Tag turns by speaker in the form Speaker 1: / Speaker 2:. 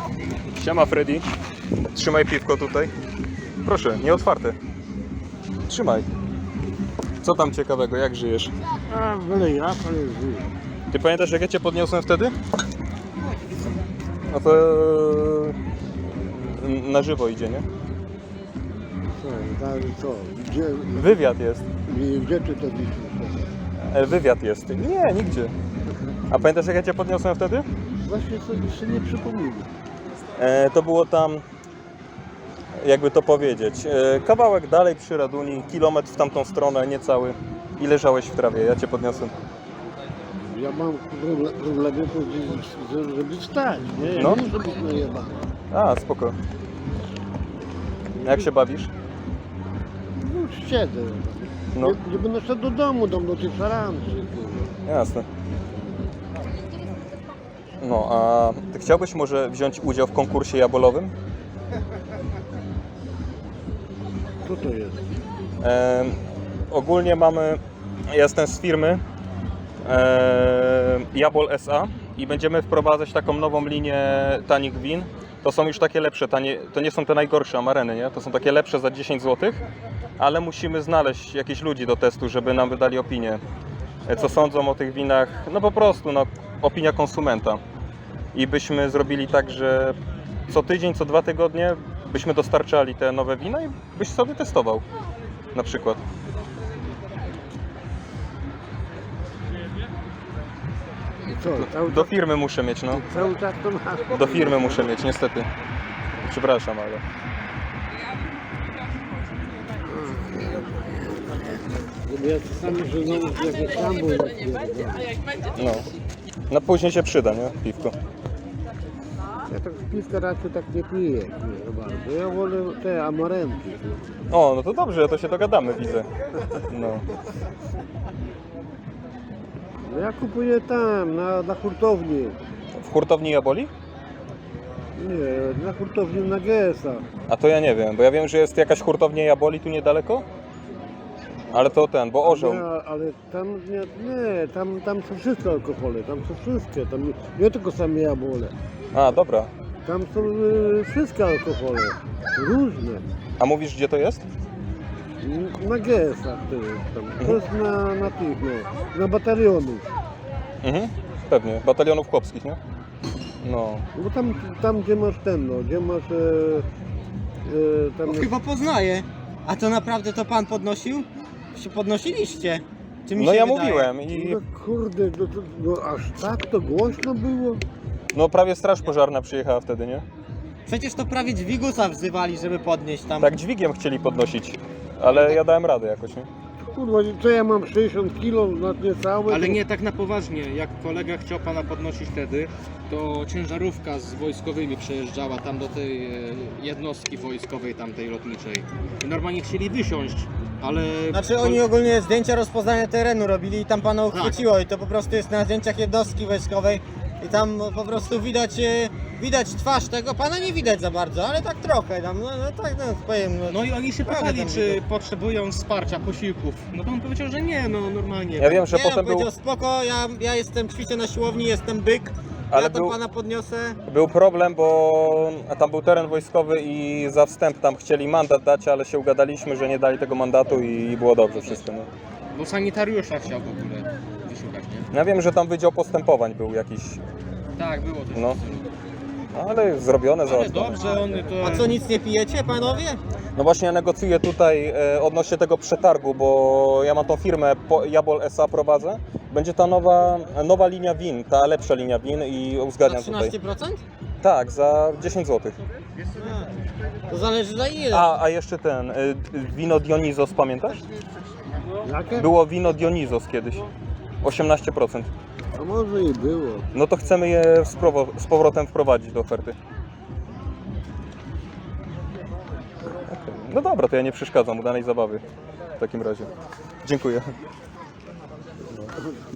Speaker 1: Siema Freddy. Trzymaj piwko tutaj. Proszę, nie otwarte. Trzymaj. Co tam ciekawego, jak żyjesz?
Speaker 2: A, byle jak, ale żyję.
Speaker 1: Ty pamiętasz, jak ja cię podniosłem wtedy? No to na żywo idzie, nie?
Speaker 2: Co? Gdzie,
Speaker 1: Wywiad jest.
Speaker 2: gdzie ty to widzisz?
Speaker 1: Wywiad jest. Nie, nigdzie. A pamiętasz, jak ja cię podniosłem wtedy?
Speaker 2: Właśnie sobie nie przypomnę.
Speaker 1: To było tam, jakby to powiedzieć, kawałek dalej przy Raduni, kilometr w tamtą stronę, niecały. I leżałeś w trawie, ja cię podniosłem.
Speaker 2: Ja mam problemy, żeby wstać, nie? Ja
Speaker 1: No.
Speaker 2: nie muszę być najebany.
Speaker 1: A, spoko. Jak się bawisz?
Speaker 2: No siedzę.
Speaker 1: No.
Speaker 2: Nie będę szedł do domu, do tej szaranki.
Speaker 1: Jasne. No, a ty chciałbyś może wziąć udział w konkursie jabolowym?
Speaker 2: Co to jest?
Speaker 1: Ogólnie mamy, ja jestem z firmy Jabol SA i będziemy wprowadzać taką nową linię tanich win. To są już takie lepsze, to nie są te najgorsze amareny, nie? To są takie lepsze za 10 zł, ale musimy znaleźć jakichś ludzi do testu, żeby nam wydali opinię. Co sądzą o tych winach, no po prostu, no, opinia konsumenta. I byśmy zrobili tak, że co tydzień, co 2 tygodnie byśmy dostarczali te nowe wina i byś sobie testował, na przykład.
Speaker 2: Co?
Speaker 1: Do firmy muszę mieć, no.
Speaker 2: Cały czas to masz.
Speaker 1: Do firmy muszę mieć, niestety. Przepraszam, ale...
Speaker 2: Ja czasami, że znowu jak tam był.
Speaker 1: No. No później się przyda, nie? Piwko.
Speaker 2: Ja tak piwka raczej tak nie piję, nie bardzo. Ja wolę te amarenki.
Speaker 1: O, no to dobrze, to się dogadamy, widzę. No.
Speaker 2: No ja kupuję tam, na hurtowni.
Speaker 1: W hurtowni Jaboli?
Speaker 2: Nie, na hurtowni na GS-a.
Speaker 1: A to ja nie wiem, bo ja wiem, że jest jakaś hurtownia Jaboli tu niedaleko. Ale to bo orzeł.
Speaker 2: Nie, ale tam tam są wszystkie alkohole, tam są wszystkie, tam nie tylko same jabłole.
Speaker 1: A, dobra.
Speaker 2: Tam są wszystkie alkohole, różne.
Speaker 1: A mówisz, gdzie to jest?
Speaker 2: Na GS-ach to jest tam. To jest na tych, no, na batalionów.
Speaker 1: Mhm, pewnie. Batalionów chłopskich, nie? No.
Speaker 2: Bo tam gdzie masz gdzie masz tam
Speaker 3: No, chyba poznaję. A to naprawdę to pan podnosił? Się podnosiliście? Czy mi
Speaker 1: No
Speaker 3: się
Speaker 1: ja
Speaker 3: wydaje?
Speaker 1: mówiłem i
Speaker 2: No kurde, no aż tak to głośno było?
Speaker 1: no prawie straż pożarna przyjechała wtedy, nie?
Speaker 3: Przecież to prawie dźwigusa wzywali, żeby podnieść tam.
Speaker 1: Tak dźwigiem chcieli podnosić, ale ja dałem radę jakoś, nie?
Speaker 2: Kurwa, co ja mam 60 kg na niecałe?
Speaker 4: Ale
Speaker 2: to-
Speaker 4: nie tak na poważnie, jak kolega chciał pana podnosić wtedy, to ciężarówka z wojskowymi przejeżdżała tam do tej jednostki wojskowej tamtej lotniczej. I normalnie chcieli wysiąść, ale...
Speaker 3: Znaczy oni ogólnie zdjęcia rozpoznania terenu robili i tam pana uchwyciło i to po prostu jest na zdjęciach jednostki wojskowej i tam po prostu widać twarz tego, pana nie widać za bardzo, ale tak trochę tam, no tak, no powiem.
Speaker 4: No i oni się
Speaker 3: Prawie
Speaker 4: pytali,
Speaker 3: tam
Speaker 4: czy
Speaker 3: widać.
Speaker 4: potrzebują wsparcia, posiłków. No to on powiedział, że nie, no normalnie.
Speaker 1: Ja wiem, że
Speaker 3: Nie,
Speaker 1: potem
Speaker 3: on powiedział spoko, ja jestem, ćwiczę na siłowni, jestem byk,
Speaker 1: Ale
Speaker 3: ja tam
Speaker 1: był-
Speaker 3: pana podniosę.
Speaker 1: był problem, bo tam był teren wojskowy i za wstęp tam chcieli mandat dać, ale się ugadaliśmy, że nie dali tego mandatu i było dobrze wszystko, nie?
Speaker 4: Bo sanitariusza chciał w ogóle wyszukać, nie?
Speaker 1: Ja wiem, że tam wydział postępowań był jakiś,
Speaker 4: Tak, było coś.
Speaker 1: no. Ale zrobione,
Speaker 4: Ale
Speaker 1: załatwione.
Speaker 4: dobrze, on to...
Speaker 3: A co, nic nie pijecie panowie?
Speaker 1: No właśnie ja negocjuję tutaj odnośnie tego przetargu, bo ja mam tą firmę Jabol SA prowadzę. Będzie ta nowa linia win, ta lepsza linia win i
Speaker 3: Na
Speaker 1: uzgadniam tutaj.
Speaker 3: 13%?
Speaker 1: Tak, za 10 zł.
Speaker 3: To zależy za ile.
Speaker 1: A jeszcze wino Dionizos, pamiętasz?
Speaker 2: Jakie?
Speaker 1: Było wino Dionizos kiedyś. 18%.
Speaker 2: A może i było.
Speaker 1: No to chcemy je z powrotem wprowadzić do oferty. Okej. No dobra, to ja nie przeszkadzam, udanej zabawy w takim razie. Dziękuję.